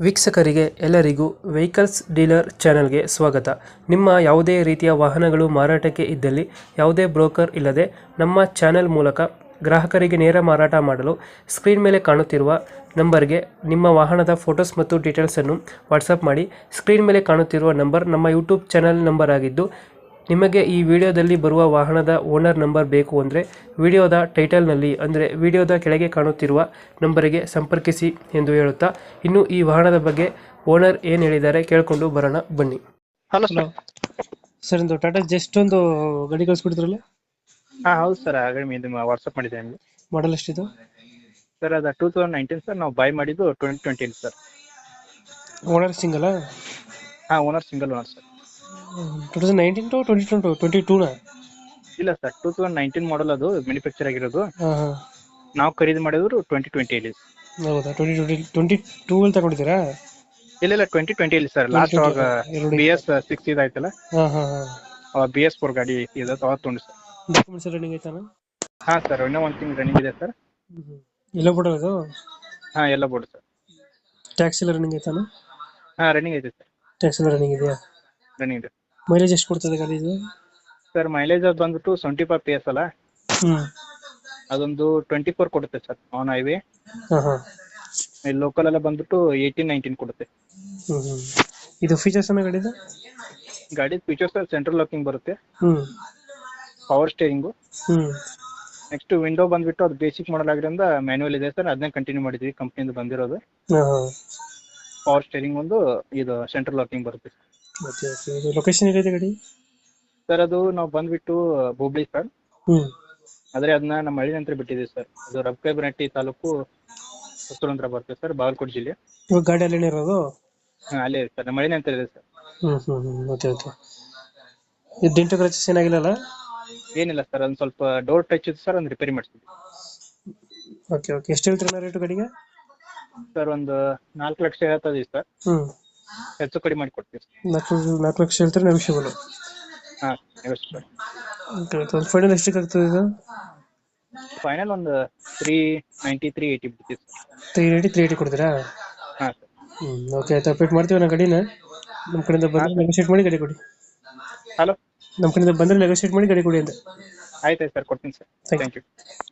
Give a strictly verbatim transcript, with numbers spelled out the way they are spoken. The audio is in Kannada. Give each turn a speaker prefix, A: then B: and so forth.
A: ವೀಕ್ಷಕರಿಗೆ ಎಲ್ಲರಿಗೂ ವೆಹಿಕಲ್ಸ್ ಡೀಲರ್ ಚಾನೆಲ್ಗೆ ಸ್ವಾಗತ. ನಿಮ್ಮ ಯಾವುದೇ ರೀತಿಯ ವಾಹನಗಳು ಮಾರಾಟಕ್ಕೆ ಇದ್ದಲ್ಲಿ ಯಾವುದೇ ಬ್ರೋಕರ್ ಇಲ್ಲದೆ ನಮ್ಮ ಚಾನೆಲ್ ಮೂಲಕ ಗ್ರಾಹಕರಿಗೆ ನೇರ ಮಾರಾಟ ಮಾಡಲು ಸ್ಕ್ರೀನ್ ಮೇಲೆ ಕಾಣುತ್ತಿರುವ ನಂಬರ್ಗೆ ನಿಮ್ಮ ವಾಹನದ ಫೋಟೋಸ್ ಮತ್ತು ಡೀಟೇಲ್ಸನ್ನು ವಾಟ್ಸಪ್ ಮಾಡಿ. ಸ್ಕ್ರೀನ್ ಮೇಲೆ ಕಾಣುತ್ತಿರುವ ನಂಬರ್ ನಮ್ಮ ಯೂಟ್ಯೂಬ್ ಚಾನೆಲ್ ನಂಬರ್ ಆಗಿದ್ದು, ನಿಮಗೆ ಈ ವಿಡಿಯೋದಲ್ಲಿ ಬರುವ ವಾಹನದ ಓನರ್ ನಂಬರ್ ಬೇಕು ಅಂದರೆ ವಿಡಿಯೋದ ಟೈಟಲ್ನಲ್ಲಿ ಅಂದರೆ ವಿಡಿಯೋದ ಕೆಳಗೆ ಕಾಣುತ್ತಿರುವ ನಂಬರಿಗೆ ಸಂಪರ್ಕಿಸಿ ಎಂದು ಹೇಳುತ್ತಾ, ಇನ್ನು ಈ ವಾಹನದ ಬಗ್ಗೆ ಓನರ್ ಏನು ಹೇಳಿದ್ದಾರೆ ಕೇಳಿಕೊಂಡು ಬರೋಣ ಬನ್ನಿ.
B: Hello
A: hello
B: sir.
A: ಸರ್, ಒಂದು ಟಾಟಾ ಜಸ್ಟ್ ಒಂದು ಗಾಡಿ ಕಳಿಸ್ಕೊಡಿದ್ರಲ್ಲ,
B: ಹಾಂ ಹೌದು ಸರ್, ಆಗಲೇ ನಿಮ್ಮ ವಾಟ್ಸಪ್ ಮಾಡಿದ್ದೆ ನಿಮಗೆ.
A: ಮಾಡಲ್ ಎಷ್ಟಿದು?
B: ಸರ್ ಅದು ಟೂ ತೌಸಂಡ್ ನೈನ್ಟೀನ್ ಸರ್, ನಾವು ಬೈ ಮಾಡಿದ್ದು ಟ್ವೆಂಟಿ ಟ್ವೆಂಟಿ ಸರ್.
A: ಓನರ್ ಸಿಂಗಲ್ಲ?
B: ಹಾಂ, owner single owner sir.
A: Two thousand nineteen to twenty twenty twenty ಟೂನ?
B: ಇಲ್ಲ sir, two thousand nineteen model ಅದು ಮ್ಯಾನುಫ್ಯಾಕ್ಚರ್ ಆಗಿರೋದು.
A: ಹಾಂ ಹಾಂ.
B: ನಾವು ಖರೀದಿ ಮಾಡಿದ್ರು ಟ್ವೆಂಟಿ ಟ್ವೆಂಟಿಯಲ್ಲಿ.
A: ಹೌದಾ? ಟ್ವೆಂಟಿ ಟ್ವೆಂಟಿ ಟ್ವೆಂಟಿ ಟೂವಲ್ಲಿ ತಗೊಂಡಿದ್ದೀರಾ?
B: ಇಲ್ಲ ಇಲ್ಲ, ಟ್ವೆಂಟಿ ಟ್ವೆಂಟಿಯಲ್ಲಿ ಸರ್. ಲಾಸ್ಟ್ ಅವಾಗ ಬಿ ಎಸ್ ಸಿಕ್ಸ್ ಇದಾಯ್ತಲ್ಲ,
A: ಹಾಂ ಹಾಂ ಹಾಂ.
B: ಅವಾಗ ಬಿ ಎಸ್ ಫೋರ್ ಗಾಡಿ ಇದೆ, ಅವಾಗ ತೊಗೊಂಡು ಸರ್.
A: ಡಾಕ್ಯುಮೆಂಟ್ಸ್ ರನ್ನಿಂಗ್ ಐತಾನ?
B: ಹಾಂ ಸರ್, ಇನ್ನೂ ಒಂದು ತಿಂಗಳು ರನ್ನಿಂಗ್ ಇದೆ ಸರ್.
A: ಎಲ್ಲ ಬಿಡೋದು ಅದು?
B: ಹಾಂ, ಎಲ್ಲ ಬೋರ್ಡ್ ಸರ್.
A: ಟ್ಯಾಕ್ಸ್ ಎಲ್ಲ ರನ್ನಿಂಗ್ ಐತಾನ?
B: ಹಾಂ, ರನ್ನಿಂಗ್ ಐತೆ ಸರ್.
A: ಟ್ಯಾಕ್ಸ್ ಎಲ್ಲ ರನ್ನಿಂಗ್ ಇದೆಯಾ?
B: ರನ್ನಿಂಗ್ ಇದೆ
A: ಮೈಲೇಜ್ ಎಷ್ಟು ಕೊಡ್ತದೆ ಗಾಡಿ ಇದು?
B: ಸರ್. ಮೈಲೇಜ್ ಅದು ಬಂದ್ಬಿಟ್ಟು ಸೆವೆಂಟಿ ಫೈವ್ ಪಿ ಎಸ್ ಅಲ್ಲ,
A: ಹ್ಞೂ.
B: ಅದೊಂದು ಟ್ವೆಂಟಿ ಫೋರ್ ಕೊಡುತ್ತೆ ಸರ್ ಆನ್ ಹೈವೇ.
A: ಹಾಂ ಹಾಂ.
B: ಇಲ್ಲಿ ಲೋಕಲ್ ಎಲ್ಲ ಬಂದ್ಬಿಟ್ಟು ಏಯ್ಟೀನ್ ನೈನ್ಟೀನ್ ಕೊಡುತ್ತೆ.
A: ಹ್ಞೂ ಹ್ಞೂ. ಇದು ಫೀಚರ್ಸ್ ಅನ್ನ ಗಾಡಿದು?
B: ಗಾಡಿ ಫೀಚರ್ಸ್ ಸೆಂಟ್ರಲ್ ಲಾಕಿಂಗ್ ಬರುತ್ತೆ,
A: ಹ್ಞೂ
B: ಪವರ್ ಸ್ಟೇರಿಂಗು.
A: ಹ್ಞೂ.
B: ನೆಕ್ಸ್ಟ್ ವಿಂಡೋ ಬಂದ್ಬಿಟ್ಟು ಅದು ಬೇಸಿಕ್ ಮಾಡಲ್ ಆಗಿರೋದ್ರಿಂದ ಮ್ಯಾನ್ಯುವಲ್ ಇದೆ ಸರ್, ಅದನ್ನೇ ಕಂಟಿನ್ಯೂ ಮಾಡಿದ್ವಿ, ಕಂಪ್ನಿಯಿಂದ ಬಂದಿರೋದು.
A: ಹಾಂ ಹಾಂ.
B: ಪವರ್ ಸ್ಟೇರಿಂಗ್ ಒಂದು, ಇದು ಸೆಂಟ್ರಲ್ ಲಾಕಿಂಗ್ ಬರುತ್ತೆ
A: ಓಕೆ ಓಕೆ. ಇದು ಲೊಕೇಶನ್ ಎಲ್ಲಿದೆ ಗಾಡಿ?
B: ಸರ್. ಅದು ನಾವು ಬಂದ್ಬಿಟ್ಟು ಹುಬ್ಳಿ ಸರ್,
A: ಹ್ಞೂ.
B: ಆದರೆ ಅದನ್ನ ನಮ್ಮ ಹಳ್ಳಿ ನಂತರ ಬಿಟ್ಟಿದ್ದೀವಿ ಸರ್. ಅದು ರಬಕೈಬನಹಟ್ಟಿ ತಾಲೂಕು, ಹೊಸೂರು ಅಂತ ಬರುತ್ತೆ ಸರ್, ಬಾಗಲಕೋಟೆ ಜಿಲ್ಲೆ.
A: ಇವಾಗ ಗಾಡಿ ಅಲ್ಲೇನೇ ಇರೋದು?
B: ಹಾಂ, ಅಲ್ಲೇ ಇದೆ ಸರ್, ನಮ್ಮ ಹಳ್ಳಿ ನಂತರ ಇದೆ ಸರ್.
A: ಹ್ಞೂ ಹ್ಞೂ ಹ್ಞೂ. Okay okay. ಇದು ಡೆಂಟು ಕ್ರಚಸ್ ಏನಾಗಿಲ್ಲಲ್ಲ?
B: ಏನಿಲ್ಲ ಸರ್, ಒಂದು ಸ್ವಲ್ಪ ಡೋರ್ ಟಚ್ ಇದೆ ಸರ್, ಒಂದು ರಿಪೇರಿ ಮಾಡಿಸ್ತೀವಿ.
A: Okay okay. ಎಷ್ಟು ಹೇಳ್ತೀರ ರೇಟು ಗಾಡಿಗೆ?
B: ಸರ್ ಒಂದು ನಾಲ್ಕು ಲಕ್ಷ ಹೇಳ್ತಾ ಇದೀವಿ ಸರ್,
A: ಹ್ಞೂ.
B: ಹೆಚ್ಚು ಕಡಿಮೆ ಮಾಡಿ ಕೊಡ್ತೀವಿ ಸರ್.
A: ನಾಲ್ಕು ನಾಲ್ಕು ಲಕ್ಷ ಹೇಳ್ತಾರೆ, ನೆಗೋಷಿಯಬಲ್?
B: ಹಾಂ, ನೆಗೋಷಿಯಬಲ್ ಸರ್.
A: Okay okay. ಒಂದು ಫೈನಲ್ ಎಷ್ಟಕ್ಕೆ ಆಗ್ತದೆ ಇದು?
B: ಫೈನಲ್ ಒಂದು ತ್ರೀ ನೈಂಟಿ ತ್ರೀ ಏಯ್ಟಿ ಬಿಡ್ತೀವಿ sir.
A: Three eighty three eighty ಕೊಡ್ತೀರಾ?
B: ಹಾಂ ಸರ್.
A: ಹ್ಞೂ. ಓಕೆ ಆಯ್ತು, ಅಪ್ಡೇಟ್ ಮಾಡ್ತೀವಿ ನಾ ಗಾಡಿನ. ನಮ್ಮ ಕಡೆಯಿಂದ ಬಂದರೆ ನೆಗೋಷಿಯೇಟ್ ಮಾಡಿ ಗಾಡಿ ಕೊಡಿ.
B: ಹಲೋ,
A: ನಮ್ಮ ಕಡೆಯಿಂದ ಬಂದರೆ ನೆಗೋಷಿಯೇಟ್ ಮಾಡಿ ಗಾಡಿ ಕೊಡಿ ಅಂತ.
B: ಆಯ್ತು ಆಯ್ತು ಸರ್, ಕೊಡ್ತೀನಿ ಸರ್. Thank you.